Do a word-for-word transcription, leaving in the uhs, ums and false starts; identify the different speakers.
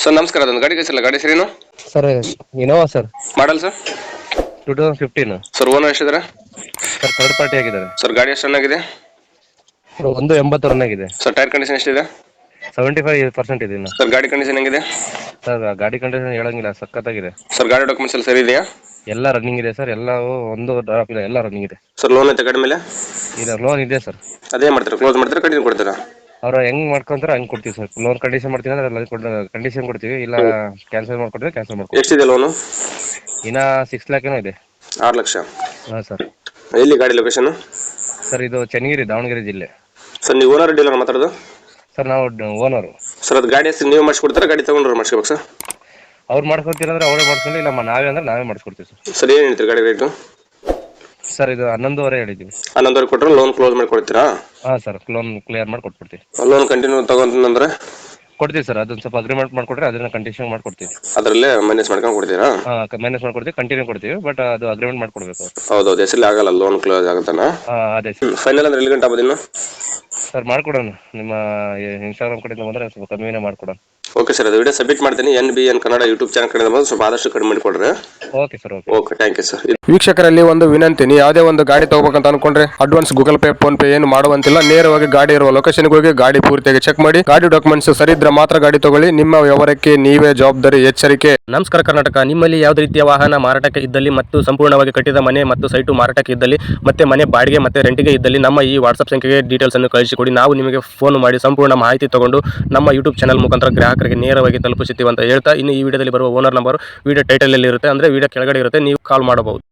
Speaker 1: Sir ನಮಸ್ಕಾರ, ಅದೊಂದು ಗಾಡಿ ಕಳಿಸಿಲ್ಲ. ಗಾಡಿ ಹೆಸರೇನು?
Speaker 2: Sir Innova sir,
Speaker 1: model sir?
Speaker 2: Two thousand fifteen
Speaker 1: sir owner ಎಷ್ಟಿದ್ದಾರೆ?
Speaker 2: ಸರ್. ಥರ್ಡ್ ಪಾರ್ಟಿ ಆಗಿದ್ದಾರೆ
Speaker 1: ಸರ್ ಗಾಡಿ ಎಷ್ಟು ಚೆನ್ನಾಗಿದೆ?
Speaker 2: ಸರ್. ಒಂದು ಎಂಬತ್ತು ರನ್ ಆಗಿದೆ
Speaker 1: ಸರ್. ಟೈರ್ ಕಂಡೀಷನ್ ಎಷ್ಟಿದೆ?
Speaker 2: ಸೆವೆಂಟಿ ಫೈವ್ ಪರ್ಸೆಂಟ್ ಇದೆ ಇನ್ನು.
Speaker 1: ಸರ್ ಗಾಡಿ ಕಂಡೀಷನ್ ಹೆಂಗಿದೆ?
Speaker 2: ಸರ್ ಗಾಡಿ ಕಂಡೀಷನ್ ಹೇಳಂಗಿಲ್ಲ, ಸಖತ್ತಾಗಿದೆ.
Speaker 1: ಸರ್ ಗಾಡಿ ಡಾಕ್ಯುಮೆಂಟ್ಸ್ ಎಲ್ಲ ಸರಿ ಇದೆಯಾ?
Speaker 2: ಎಲ್ಲ ರನ್ನಿಂಗ್ ಇದೆ ಸರ್, ಎಲ್ಲವೂ ಒಂದು ಡ್ರಾಪ್ ಇಲ್ಲ, ಎಲ್ಲ ರನ್ನಿಂಗ್ ಇದೆ.
Speaker 1: ಸರ್ ಲೋನ್ ಐತೆ ಗಾಡಿ ಮೇಲೆ?
Speaker 2: ಇಲ್ಲ, ಲೋನ್ ಇದೆ ಸರ್.
Speaker 1: ಅದೇ ಮಾಡ್ತಾರೆ, ಕ್ಲೋಸ್ ಮಾಡ್ತಾರೆ, ಕಂಟಿನ್ಯೂ ಕೊಡ್ತೀರಾ?
Speaker 2: ಅವ್ರು ಹೆಂಗ್ ಮಾಡ್ಕೊಂತಾರೆ ಹಂಗೆ ಕೊಡ್ತೀವಿ ಸರ್. ಲೋನ್ ಕಂಡೀಷನ್ ಮಾಡ್ತೀವಿ ಅಂದ್ರೆ ಕಂಡೀಷನ್ ಕೊಡ್ತೀವಿ, ಇಲ್ಲ ಕ್ಯಾನ್ಸಲ್ ಮಾಡ್ಕೊಡ್ತೀವಿ ಕ್ಯಾನ್ಸಲ್ ಮಾಡ್ಕೊಡ್ತೀವಿ.
Speaker 1: ಎಷ್ಟಿದೆ ಲೋನು?
Speaker 2: ಇನ್ನ ಸಿಕ್ಸ್ ಲ್ಯಾಕ್ ಏನೋ ಇದೆ.
Speaker 1: ಆರು ಲಕ್ಷ?
Speaker 2: ಹಾಂ ಸರ್.
Speaker 1: ಎಲ್ಲಿ ಗಾಡಿ ಲೊಕೇಶನ್?
Speaker 2: ಸರ್ ಇದು ಚನ್ನಗಿರಿ, ದಾವಣಗೆರೆ ಜಿಲ್ಲೆ.
Speaker 1: ಸರ್ ನೀವು ಓನರ್ ಡೀಲರ್ ಮಾತಾಡೋದು?
Speaker 2: ಸರ್ ನಾವು ಓನರು.
Speaker 1: ಸರ್ ಅದು ಗಾಡಿ ಹೆಸರು ನೀವು ಮಾಡಿಸ್ಕೊಡ್ತಾರೆ, ಗಾಡಿ ತಗೊಂಡ್ರೆ ಮಾಡಿಸ್ಕೋಬೇಕು ಸರ್?
Speaker 2: ಅವ್ರು ಮಾಡ್ಕೊತೀರಂದ್ರೆ ಅವರೇ ಮಾಡ್ಕೊಂಡು, ಇಲ್ಲ ನಾವೇ ಅಂದ್ರೆ ನಾವೇ ಮಾಡಿಸ್ಕೊಡ್ತೀವಿ ಸರ್.
Speaker 1: ಸರ್ ಏನು ಹೇಳ್ತೀರಿ ಗಾಡಿ ರೇಟು?
Speaker 2: ಸರ್ ಇದು ಹನ್ನೊಂದುವರೆ ಹೇಳಿದ್ದೀವಿ.
Speaker 1: ಹನ್ನೊಂದುವರೆ ಕೊಟ್ಟರೆ ಲೋನ್ ಕ್ಲೋಸ್ ಮಾಡಿ ಕೊಡ್ತೀರಾ?
Speaker 2: ಹಾಂ ಸರ್, ಲೋನ್ ಕ್ಲಿಯರ್ ಮಾಡಿ ಕೊಟ್ಬಿಡ್ತೀವಿ.
Speaker 1: ಲೋನ್ ಕಂಟಿನ್ಯೂ ತಗೊಂತಂದ್ರೆ
Speaker 2: ಕೊಡ್ತೀವಿ ಸರ್. ಅದೊಂದು ಸ್ವಲ್ಪ ಅಗ್ರಿಮೆಂಟ್ ಮಾಡ್ಕೊಟ್ರೆ ಅದನ್ನ ಕಂಡೀಷನ್ ಮಾಡ್ಕೊಡ್ತೀವಿ.
Speaker 1: ಅದರಲ್ಲೇ ಮೈನಸ್ ಮಾಡ್ಕೊಂಡು ಕೊಡ್ತೀರಾ?
Speaker 2: ಹಾಂ, ಮೈನಸ್ ಮಾಡ್ಕೊಡ್ತೀವಿ, ಕಂಟಿನ್ಯೂ ಕೊಡ್ತೀವಿ, ಬಟ್ ಅದು ಅಗ್ರಿಮೆಂಟ್ ಮಾಡ್ಕೊಡ್ಬೇಕು.
Speaker 1: ಹೌದೌದು, ಹೆಸರಲ್ಲಿ ಆಗಲ್ಲ ಲೋನ್ ಕ್ಲೋಸ್ ಆಗುತ್ತಾನ?
Speaker 2: ಹಾಂ ಅದೇ ಸರ್.
Speaker 1: ಫೈನಲ್ ಅಂದ್ರೆ ಎಲ್ಲಿ ಗಂಟೆ ಆಗೋದು ಇನ್ನು?
Speaker 2: ಸರ್ ಮಾಡ್ಕೊಡೋಣ, ನಿಮ್ಮ ಇನ್ಸ್ಟಾಗ್ರಾಮ್ ಕಡೆಯಿಂದ ಬಂದರೆ ಸ್ವಲ್ಪ ಕಮ್ಮಿನೇ ಮಾಡ್ಕೊಡೋಣ.
Speaker 1: ಓಕೆ ಸರ್, ಅದು ವಿಡಿಯೋ ಸಬ್ಮಿಟ್ ಮಾಡ್ತೀನಿ. N B N Kannada YouTube channel ಕಡೆಯಿಂದ ಬಂದು ಸ್ವಲ್ಪ ಆದಷ್ಟು ಕಡಿಮೆ ಮಾಡಿಕೊಡ್ರಿ.
Speaker 2: Okay sir. Okay
Speaker 1: okay, thank you sir. ವೀಕ್ಷಕರಲ್ಲಿ ಒಂದು ವಿನಂತಿ, ನೀವು ಯಾವುದೇ ಒಂದು ಗಾಡಿ ತಗೋಬೇಕಂತ ಅನ್ಕೊಂಡ್ರೆ advance Google Pay PhonePe ಏನು ಮಾಡುವಂತಿಲ್ಲ. ನೇರವಾಗಿ ಗಾಡಿ ಇರುವ ಲೊಕೇಶನ್ಗೆ ಹೋಗಿ ಗಾಡಿ ಪೂರ್ತಿಯಾಗಿ ಚೆಕ್ ಮಾಡಿ, ಗಾಡಿ ಡಾಕ್ಯುಮೆಂಟ್ಸ್ ಸರಿ ಇದ್ರೆ ಮಾತ್ರ ಗಾಡಿ ತಗೊಳ್ಳಿ. ನಿಮ್ಮ ವ್ಯವಹಾರಕ್ಕೆ ನೀವೇ ಜವಾಬ್ದಾರಿ. ಎಚ್ಚರಿಕೆ.
Speaker 3: ನಮಸ್ಕಾರ ಕರ್ನಾಟಕ. ನಿಮ್ಮಲ್ಲಿ ಯಾವುದೇ ರೀತಿಯ ವಾಹನ ಮಾರಾಟಕ್ಕೆ ಇದ್ದಲ್ಲಿ ಮತ್ತು ಸಂಪೂರ್ಣವಾಗಿ ಕಟ್ಟಿದ ಮನೆ ಮತ್ತು ಸೈಟು ಮಾರಾಟಕ್ಕೆ ಇದ್ದಲ್ಲಿ ಮತ್ತೆ ಮನೆ ಬಾಡಿಗೆ ಮತ್ತೆ ರೆಂಟಿಗೆ ಇದ್ದಲ್ಲಿ ನಮ್ಮ ಈ ವಾಟ್ಸ್ಆಪ್ ಸಂಖ್ಯೆಗೆ ಡೀಟೇಲ್ಸ್ ಅನ್ನು ಕಳಿಸಿಕೊಡಿ. ನಾವು ನಿಮಗೆ ಫೋನ್ ಮಾಡಿ ಸಂಪೂರ್ಣ ಮಾಹಿತಿ ತಗೊಂಡು ನಮ್ಮ ಯೂಟ್ಯೂಬ್ ಚಾನಲ್ ಮುಖಾಂತರ ಗ್ರಾಹಕರಿಗೆ ನೇರವಾಗಿ ತಲುಪಿಸುತ್ತೀವಿ ಅಂತ ಹೇಳ್ತಾ, ಇನ್ನು ಈ ವಿಡಿಯೋದಲ್ಲಿ ಬರುವ ಓನರ್ ನಂಬರ್ ವಿಡಿಯೋ ಟೈಟಲ್ ಅಲ್ಲಿ ಇರುತ್ತೆ, ಅಂದ್ರೆ ವಿಡಿಯೋ ಕೆಳಗಡೆ ಇರುತ್ತೆ, ನೀವು ಕಾಲ್ ಮಾಡಬಹುದು.